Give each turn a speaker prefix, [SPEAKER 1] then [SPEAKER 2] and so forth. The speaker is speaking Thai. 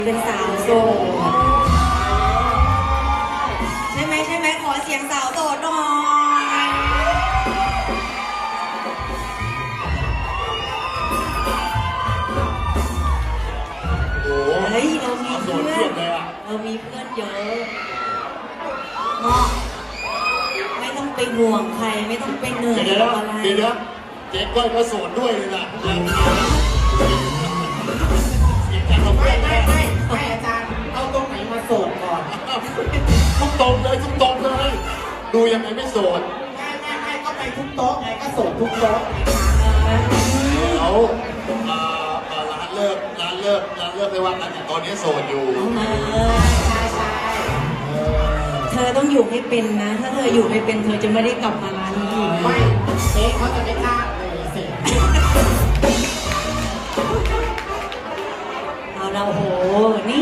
[SPEAKER 1] เป็นสาวโสดใช่ไหมขอเสียงสาวโสดหน่อย
[SPEAKER 2] โอ้โห
[SPEAKER 1] เฮ้ยเรามีเพื่อน
[SPEAKER 2] เลยอ่ะ
[SPEAKER 1] เรามีเพื่อนเยอะเนาะไม่ต้องไปห่วงใครไม่ต้องไปเหนื่อย
[SPEAKER 2] เดี๋ยว
[SPEAKER 1] กับอะไร
[SPEAKER 2] เดี๋ยวเจ๊ก้อยก็โสดด้วยเลยนะเสียงจากเรา
[SPEAKER 3] ไม่
[SPEAKER 2] เพื่อน
[SPEAKER 3] ไม่อาจารย์เอาตรงไหนมาโสดก่อน
[SPEAKER 2] ทุกตรงเลยทุกตรงเลย ดูยังไงไม่โสด
[SPEAKER 3] ไม่ก็ไปทุกโต๊ะไงก็โสดทุกโต๊ะ
[SPEAKER 2] แล้วร้านเลิกไม่ว่ากันแต่ตอนนี้โสดอยู่
[SPEAKER 3] ใช่
[SPEAKER 1] เธอต้องอยู่ให้เป็นนะ ถ้าเธออยู่ไม่เป็นเธอจะไม่ได้กลับมาร้านนี้อีก
[SPEAKER 3] ไม่เจ๊เขาจะไม่กล้าเลยสิ
[SPEAKER 1] เอาละโอ้โหนี่